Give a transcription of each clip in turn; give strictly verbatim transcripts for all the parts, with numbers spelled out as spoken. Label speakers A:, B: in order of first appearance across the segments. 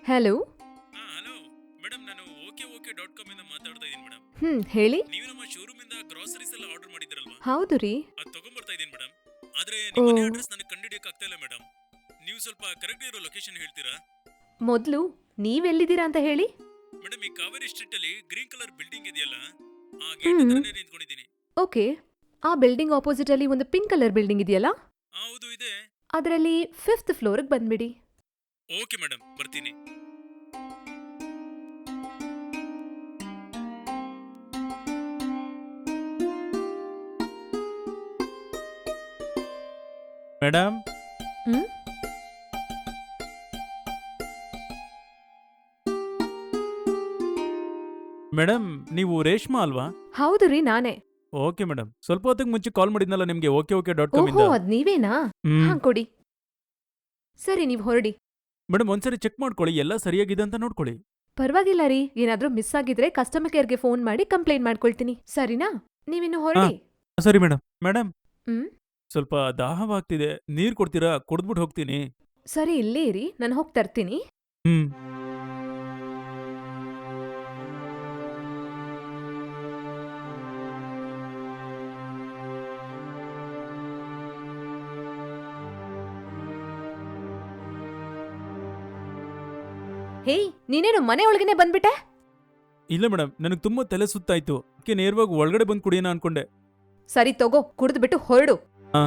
A: Hello.
B: ಹಾ hello madam, ನಾನು okay okay dot com ಇಂದ ಮಾತಾಡ್ತಾ ಇದ್ದೀನಿ ಮೇಡಮ್.
A: ಹ್ಮ್ ಹೇಳಿ.
B: ನೀವು ನಮ್ಮ ಶೋರೂಮ್ ಇಂದ ಗ್ರಾಸರೀಸ್ ಎಲ್ಲ ಆರ್ಡರ್ ಮಾಡಿದ್ರಲ್ವಾ?
A: ಹೌದು ರೀ.
B: ಅದು ತಗೊಂಡ್ಬರ್ತಾ ಇದ್ದೀನಿ ಮೇಡಮ್. ಆದ್ರೆ
A: ಓ,
B: ನಿಮ್ಮ ಮನೆ ಅಡ್ರೆಸ್ ನನಗೆ ಕಂಡುಹಿಡಿಯಕ್ಕೆ ಆಗ್ತಾ ಇಲ್ಲ ಮೇಡಮ್. ನೀವು ಸ್ವಲ್ಪ ಕರೆಕ್ಟ್ ಇರೋ ಲೊಕೇಶನ್ ಹೇಳ್ತೀರಾ?
A: ಮೊದ್ಲು ನೀವೆಲ್ಲಿದ್ದೀರಾ ಅಂತ ಹೇಳಿ.
B: ಮೇಡಮ್, ಈ ಕಾವೇರಿ ಸ್ಟ್ರೀಟ್ ಅಲ್ಲಿ ಗ್ರೀನ್ ಕಲರ್ ಬಿಲ್ಡಿಂಗ್ ಇದೆಯಲ್ಲ, ಆ ಗೇಟ್
A: ಹ್ಮ್
B: ಹತ್ರನೇ ನಿಂತ್ಕೊಂಡಿದ್ದೀನಿ.
A: ಓಕೆ. ಆ ಬಿಲ್ಡಿಂಗ್ ಆಪೋಸಿಟ್ ಅಲ್ಲಿ ಒಂದು ಪಿಂಕ್ ಕಲರ್ ಬಿಲ್ಡಿಂಗ್ ಇದೆಯಲ್ಲ,
B: ಆ, ಹೌದು ಇದೆ.
A: ಅದರಲ್ಲಿ ಫಿಫ್ತ್ ಫ್ಲೋರ್ಗೆ ಬಂದ್ಬಿಡಿ.
B: ಓಕೆ ಮೇಡಮ್, ಬರ್ತೀನಿ. ಮೇಡಮ್,
A: ಹ್ಮ್
B: ಮೇಡಮ್ ನೀವು ರೇಷ್ಮಾ ಅಲ್ವಾ?
A: ಹೌದು ರೀ, ನಾನೇ.
B: ಓಕೆ ಮೇಡಮ್, ಸ್ವಲ್ಪ ಹೊತ್ತಿಗೆ ಮುಂಚೆ ಕಾಲ್ ಮಾಡಿದ್ನಲ್ಲ ನಿಮ್ಗೆ ಓಕೆ ಓಕೆ ಡಾಟ್ ಕಾಮ್
A: ಓಹೋ,
B: ಇಂದ.
A: ಅದ್ ನೀವೇನಾ?
B: ಹ್ಮ್
A: ಹಾ, ಕೊಡಿ. ಸರಿ, ನೀವ್ ಹೊರಡಿ.
B: ಮೇಡಮ್, ಒಂದ್ಸರಿ ಚೆಕ್ ಮಾಡ್ಕೊಳ್ಳಿ, ಎಲ್ಲ ಸರಿಯಾಗಿದೆ ಅಂತ ನೋಡ್ಕೊಳ್ಳಿ.
A: ಪರವಾಗಿಲ್ಲ ರೀ, ಏನಾದ್ರೂ ಮಿಸ್ ಆಗಿದ್ರೆ ಕಸ್ಟಮರ್ ಕೇರ್ಗೆ ಫೋನ್ ಮಾಡಿ ಕಂಪ್ಲೇಂಟ್ ಮಾಡ್ಕೊಳ್ತೀನಿ, ಸರಿನಾ? ನೀವಿನ್ನು
B: ಹಾ
A: ಹೊರಡಿ.
B: ಸರಿ ಮೇಡಮ್. ಮೇಡಮ್,
A: ಹ್ಮ್
B: ಸ್ವಲ್ಪ ದಾಹವಾಗ್ತಿದೆ, ನೀರ್ ಕೊಡ್ತೀರಾ? ಕುಡ್ದ್ಬಿಟ್ಟು ಹೋಗ್ತೀನಿ.
A: ಸರಿ, ಇಲ್ಲೇ ಇರಿ, ನಾನು ಹೋಗಿ ತರ್ತೀನಿ.
B: ಹ್ಮ್
A: ಹೇಯ್, ನೀನೇನು ಮನೆ ಒಳಗನೆ ಬಂದ್ಬಿಟ್ಟೆ?
B: ಇಲ್ಲ ಮೇಡಮ್, ನನಗೆ ತುಂಬಾ ತಲೆ ಸುತ್ತಾಯ್ತು, ಅದಕ್ಕೆ ನೇರವಾಗಿ ಒಳಗಡೆ ಬಂದು ಕುಡಿಯೋಣ ಅನ್ಕೊಂಡೆ.
A: ಸರಿ ತಗೋ, ಕುಡಿದ್ಬಿಟ್ಟು ಹೊರಡು.
B: ಹಾ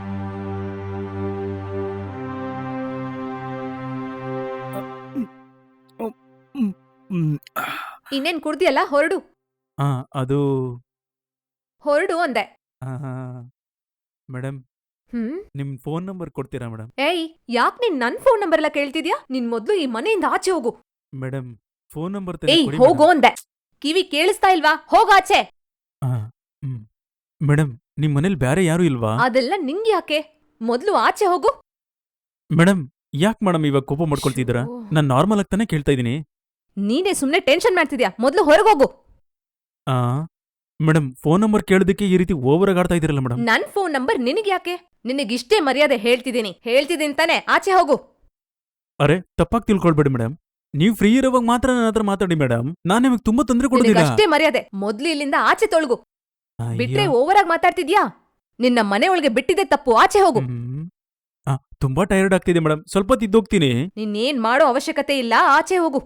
A: ಇನ್ನೇನ್ ಕುಡ್ದಿಯಲ್ಲ, ಹೊರಡು.
B: ಹಾ ಅದು
A: ಹೊರಡು ಅಂದೆ.
B: ಮೇಡಮ್,
A: ಹ್ಮ್
B: ನಿಮ್ ಫೋನ್ ನಂಬರ್ ಕೊಡ್ತೀರಾ ಮೇಡಮ್?
A: ಏಯ್, ಯಾಕ್ ನೀನ್ ನನ್ ಫೋನ್ ನಂಬರ್ ಎಲ್ಲ ಕೇಳ್ತಿದ್ಯಾ? ನಿನ್ ಮೊದ್ಲು ಈ ಮನೆಯಿಂದ ಆಚೆ ಹೋಗು.
B: ಮೇಡಮ್, ಫೋನ್ ನಂಬರ್ ತಾನೇ
A: ಏಯ್,
B: ಕೊಡಿ
A: ಹೋಗೋ
B: ಮೇಡಮ್.
A: ಅಂದೆ. ಕಿವಿ ಕೇಳಿಸ್ತಾ ಇಲ್ವಾ? ಹೋಗಾಚೆ.
B: ಹಾ ಹ್ಮ್ ಮೇಡಮ್, ನಿಮ್ ಮನೇಲಿ ಬೇರೆ ಯಾರು ಇಲ್ವಾ?
A: ಅದೆಲ್ಲ ನಿಂಗ್ ಯಾಕೆ? ಮೊದ್ಲು ಆಚೆ ಹೋಗು.
B: ಮೇಡಮ್, ಯಾಕೆ ಮೇಡಮ್ ಇವಾಗ ಕೋಪ ಮಾಡ್ಕೊಳ್ತಿದ್ದೀರಾ?
A: ಶ್ಯೋ.
B: ನಾನ್ ನಾರ್ಮಲ್ ಆಗಿ ತಾನೇ ಕೇಳ್ತಾ ಇದ್ದೀನಿ.
A: ನೀನೇ ಸುಮ್ನೆ ಟೆನ್ಷನ್ ಮಾಡ್ತಿದ್ಯಾ, ಮೊದ್ಲು ಹೊರಗೋಗು.
B: ಆ ಮೇಡಮ್, ಫೋನ್ ನಂಬರ್ ಕೇಳೋದಕ್ಕೆ ಈ ರೀತಿ ಓವರ್ ಆಗಿ ಆಡ್ತಾ ಇದೀರಲ್ಲ ಮೇಡಮ್.
A: ನನ್ ಫೋನ್ ನಂಬರ್ ನಿನಗ್ಯಾಕೆ? ನಿನಗಿಷ್ಟೇ ಮರ್ಯಾದೆ ಹೇಳ್ತಿದ್ದೀನಿ ಹೇಳ್ತಿದ್ದೀನಿ ತಾನೆ, ಆಚೆ ಹೋಗು.
B: ಅರೆ, ತಪ್ಪಾಗಿ ತಿಳ್ಕೊಳ್ಬೇಡಿ ಮೇಡಮ್. ನೀವು ಫ್ರೀ ಇರೋವಾಗ ಮಾತ್ರ ನನ್ನ ಹತ್ರ ಮಾತಾಡಿ ಮೇಡಮ್. ನಾನು ನಿಮಗೆ ತುಂಬಾ ತೊಂದರೆ ಕೊಡೋದಿಲ್ಲ.
A: ನಿನಗಷ್ಟೇ ಮರ್ಯಾದೆ, ಮೊದ್ಲು ಇಲ್ಲಿಂದ ಆಚೆ ತೊಳಗು. ಬಿಟ್ರೆ
B: ಅಯ್ಯೋ.
A: ಓವರ್ ಆಗಿ ಮಾತಾಡ್ತಿದ್ಯಾ? ನಿನ್ನ ಮನೆ ಒಳಗೆ ಬಿಟ್ಟಿದೆ ತಪ್ಪು, ಆಚೆ ಹೋಗು.
B: ಹ್ಮ್. ಆ, ತುಂಬಾ ಟೈರ್ಡ್ ಆಗ್ತಿದೆ ಮೇಡಮ್, ಸ್ವಲ್ಪ ತಿದ್ದೋಗ್ತೀನಿ.
A: ನಿನ್ನೇನ್ ಮಾಡೋ ಅವಶ್ಯಕತೆ ಇಲ್ಲ, ಆಚೆ ಹೋಗು.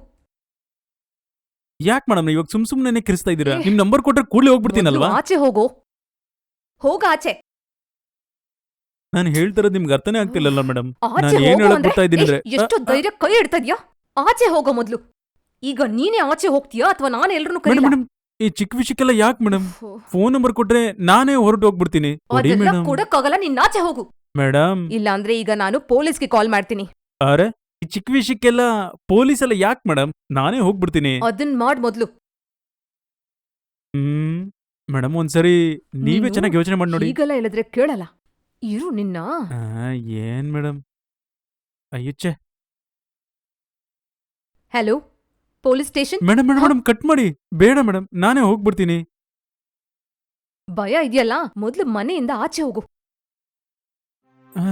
B: ಯಾಕೆ ಮೇಡಮ್ ಇವಾಗ ಸುಮ್ ಸುಮ್ನೆ ಕಿರಿಸ್ತಾ ಇದ್ದೀರಾ?
A: ಏ.
B: ನಿಮ್ ನಂಬರ್ ಕೊಟ್ರೆ ಕೂಡಲೇ ಹೋಗ್ಬಿಡ್ತೀನಲ್ವಾ?
A: ಮೊದ್ಲು ಆಚೆ ಹೋಗು. ಹೋಗ ಆಚೆ.
B: ನಾನು ಹೇಳ್ತಿರೋದು ನಿಮ್ಗೆ ಅರ್ಥನೇ ಆಗ್ತಿಲ್ಲಲ್ಲ ಮೇಡಮ್.
A: ಆಚೆ
B: ನಾನು ಏನ್
A: ಹೋಗು
B: ಹೇಳಕ್
A: ಅಂದ್ರೆ
B: ಬರ್ತಾ ಇದ್ದೀನಿ ಅಂದ್ರೆ
A: ಏ, ಎಷ್ಟು ಧೈರ್ಯ ಕೈ ಇಡ್ತದ್ಯಾ? ಆಚೆ ಹೋಗೋ ಮೊದ್ಲು. ಈಗ ನೀನೇ ಆಚೆ ಹೋಗ್ತೀಯಾ ಅಥವಾ ನಾನು ಎಲ್ರನ್ನೂ
B: ಮೇಡಮ್
A: ಕರೀಲಾ?
B: ಮೇಡಮ್, ಈ ಚಿಕ್ಕ ವಿಷಯಕ್ಕೆಲ್ಲ ಯಾಕೆ ಮೇಡಮ್?
A: ಫು.
B: ಫೋನ್ ನಂಬರ್ ಕೊಟ್ರೆ ನಾನೇ ಹೊರಟು ಹೋಗ್ಬಿಡ್ತೀನಿ. ಕೊಡಿ
A: ಅದೆಲ್ಲ
B: ಮೇಡಮ್.
A: ಕೊಡಕ್ಕಾಗಲ್ಲ, ನೀನ್ ಆಚೆ ಹೋಗು.
B: ಮೇಡಮ್,
A: ಇಲ್ಲಾಂದ್ರೆ ಈಗ ನಾನು ಪೊಲೀಸ್ಗೆ ಕಾಲ್ ಮಾಡ್ತೀನಿ.
B: ಅರೆ, ಈ ಚಿಕ್ಕ ವಿಷಯಕ್ಕೆಲ್ಲ ಪೊಲೀಸ್ ಎಲ್ಲ ಯಾಕೆ ಮೇಡಮ್? ನಾನೇ ಹೋಗ್ಬಿಡ್ತೀನಿ.
A: ಅದನ್ ಮಾಡ್ ಮೊದ್ಲು.
B: ಹ್ಮ್ ಮೇಡಮ್, ಒಂದ್ಸರಿ ನೀವೇ
A: ನೀನು
B: ಚೆನ್ನಾಗಿ ಯೋಚನೆ ಮಾಡಿ ನೋಡಿ.
A: ಈಗೆಲ್ಲ ಹೇಳಿದ್ರೆ ಕೇಳಲ್ಲ. ಇರು ನಿನ್ನ.
B: ಆ, ಏನ್ ಮೇಡಮ್? ಅಯ್ಯುಚ್ಚೆ.
A: Hello, police station.
B: Madam madam madam, cut ಮಾಡಿ. ಬೇಡ ಮೇಡಮ್, ನಾನೇ ಹೋಗ್ಬಿಡ್ತೀನಿ.
A: ಭಯ ಇದೆಯಲ್ಲ, ಮೊದ್ಲು ಮನೆಯಿಂದ ಆಚೆ ಹೋಗು.
B: ಆ,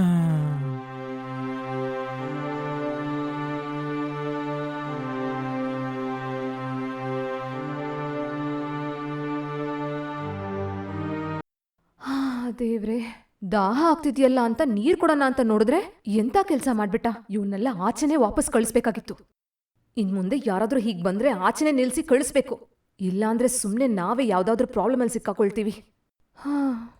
A: ಹಾ, ದೇವ್ರೆ, ದಾಹ ಆಗ್ತಿದ್ಯಲ್ಲ ಅಂತ ನೀರ್ ಕೊಡೋಣ ಅಂತ ನೋಡಿದ್ರೆ ಎಂತ ಕೆಲ್ಸ ಮಾಡ್ಬಿಟ್ಟ. ಇವನ್ನೆಲ್ಲ ಆಚೆನೆ ವಾಪಸ್ ಕಳಿಸ್ಬೇಕಾಗಿತ್ತು. ಇನ್ ಮುಂದೆ ಯಾರಾದ್ರೂ ಹೀಗ್ ಬಂದ್ರೆ ಆಚೆನೆ ನಿಲ್ಸಿ ಕಳಿಸ್ಬೇಕು. ಇಲ್ಲಾಂದ್ರೆ ಸುಮ್ನೆ ನಾವೇ ಯಾವ್ದಾದ್ರೂ ಪ್ರಾಬ್ಲಮ್ ಅಲ್ಲಿ ಸಿಕ್ಕಾಕೊಳ್ತೀವಿ. ಹಾ